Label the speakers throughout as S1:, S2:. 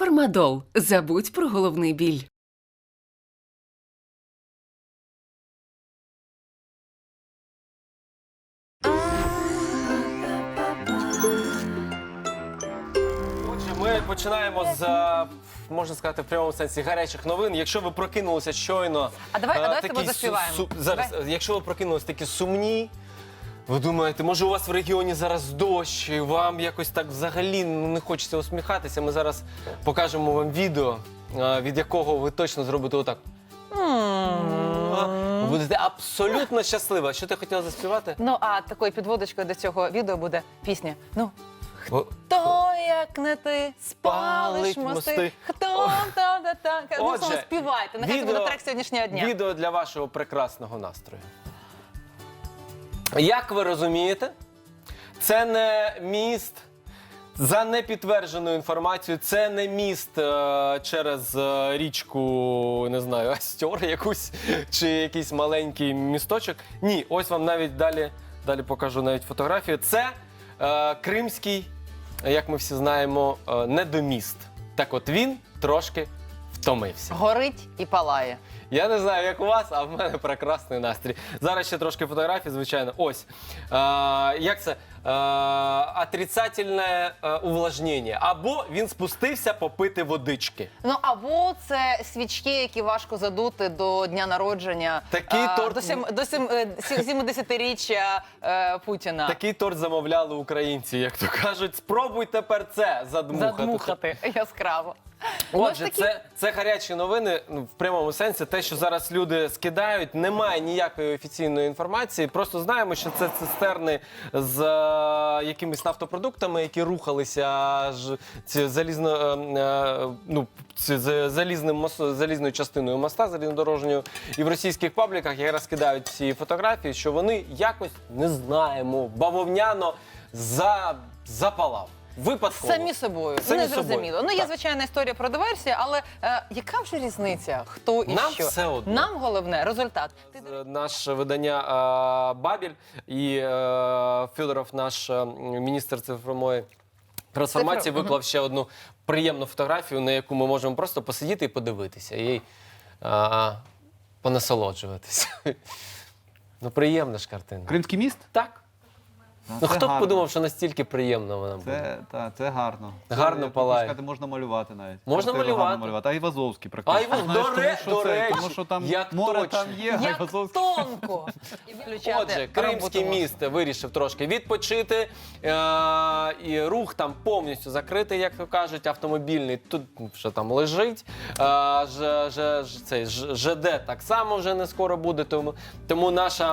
S1: Фармадол. Забудь про головний біль.
S2: Отже, ми починаємо з, можна сказати, в прямому сенсі гарячих новин. Якщо ви прокинулися щойно...
S3: давай з
S2: такі
S3: тобою заспіваємо.
S2: Зараз, якщо ви прокинулися такі сумні, ви думаєте, може у вас в регіоні зараз дощ, і вам якось так взагалі не хочеться усміхатися, ми зараз покажемо вам відео, від якого ви точно зробите отак. Ви будете абсолютно щаслива. Що ти хотіла заспівати?
S3: Ну, а такою підводочкою до цього відео буде пісня. Ну,
S2: О,
S3: хто, як не ти, спалиш мости, хто, та-та-та. Ну,
S2: Отже,
S3: співайте, нехай це буде трек сьогоднішнього дня.
S2: Відео для вашого прекрасного настрою. Як ви розумієте, це не міст, за непідтвердженою інформацією, це не міст через річку, не знаю, Астьор якусь, чи якийсь маленький місточок. Ні, ось вам навіть далі покажу навіть фотографію. Це кримський, як ми всі знаємо, недоміст. Так от він трошки втомився.
S3: Горить і палає.
S2: Я не знаю, як у вас, а в мене прекрасний настрій. Зараз ще трошки фотографій, звичайно. Ось. Як це? Отрицательне увлажнення. Або він спустився попити водички.
S3: Ну, або це свічки, які важко задути до дня народження,
S2: Такий торт...
S3: до 70-річчя Путіна.
S2: Такий торт замовляли українці, як то кажуть. Спробуй тепер це
S3: Задмухати яскраво.
S2: Отже, це гарячі новини, в прямому сенсі. Те, що зараз люди скидають, немає ніякої офіційної інформації. Просто знаємо, що це цистерни з якимись нафтопродуктами, які рухалися залізною частиною моста, залізнодорожньою. І в російських пабліках якраз скидають ці фотографії, що вони якось, не знаємо, бавовняно запалав. Випадково.
S3: Самі собою. Не зрозуміло. Ну, є звичайна історія про диверсію, але яка вже різниця, хто і
S2: Нам
S3: що?
S2: все одно.
S3: Нам головне – результат.
S2: Наше видання «Бабель» і Федоров, наш міністр цифрової трансформації, виклав ще одну приємну фотографію, на яку ми можемо просто посидіти і подивитися, і понасолоджуватися. Ну, приємна ж картина.
S4: Кримський міст?
S2: Так. Ну, хто б
S4: гарно.
S2: подумав, що настільки приємно вона буде?
S4: Це гарно.
S2: Гарно палає.
S4: Сказати, можна малювати навіть.
S2: Можна
S4: Картину
S2: малювати.
S4: гарно малювати. А Івазовський практично.
S2: До речі,
S4: тому що там
S2: як
S4: море
S2: точно.
S4: там є, а
S3: Як
S4: Івазовський...
S3: тонко! І включати
S2: Отже, Кримський
S3: роботу
S2: міст вирішив трошки відпочити, і рух там повністю закритий, як то кажуть, автомобільний тут вже там лежить. Цей ЖД так само вже не скоро буде, тому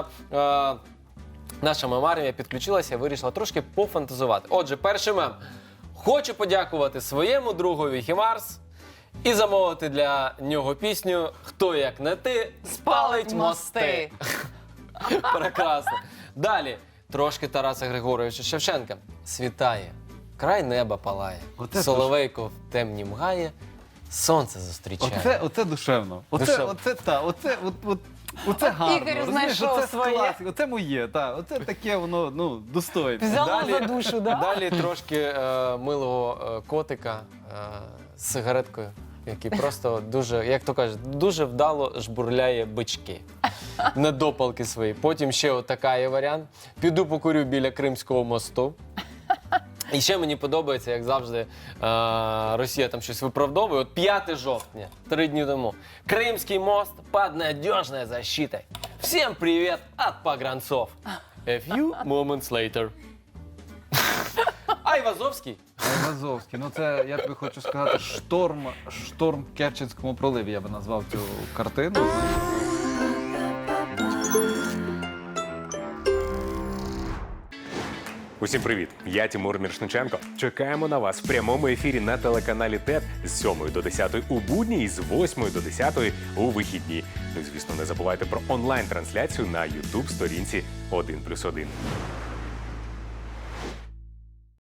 S2: наша мем-армія підключилася і вирішила трошки пофантазувати. Отже, перший мем. Хочу подякувати своєму другові Хімарс і замовити для нього пісню «Хто, як не ти, спалить мости». Прекрасно. Далі. Трошки Тараса Григоровича Шевченка. Світає, край неба палає,
S4: Оце
S2: соловейко в темні мгає, сонце зустрічає.
S4: Оце душевно.
S2: Душевно.
S4: Оце гарно.
S3: Ігор
S4: розумієш?
S3: знайшов
S4: Оце
S3: своє.
S4: класика. Оце моє, так. Оце таке воно, достойне.
S3: Взяло за душу, да?
S2: Далі трошки милого котика з сигареткою, який просто дуже, як то кажуть, дуже вдало жбурляє бички. Недопалки свої. Потім ще отака є варіант. Піду покурю біля Кримського мосту. І ще мені подобається, як завжди, Росія там щось виправдовує. От 5 жовтня, 3 дні тому. Кримський мост під надіжною защитой. Всім привіт від погранцов. A few moments later. А Івазовський?
S4: Івазовський. Ну це, я тобі хочу сказати, шторм в Керченському проливі, я би назвав цю картину.
S5: Усім привіт! Я Тимур Міршниченко. Чекаємо на вас в прямому ефірі на телеканалі ТЕТ з 7 до 10 у будні і з 8 до 10 у вихідні. Ну і, звісно, не забувайте про онлайн-трансляцію на YouTube-сторінці 1+1.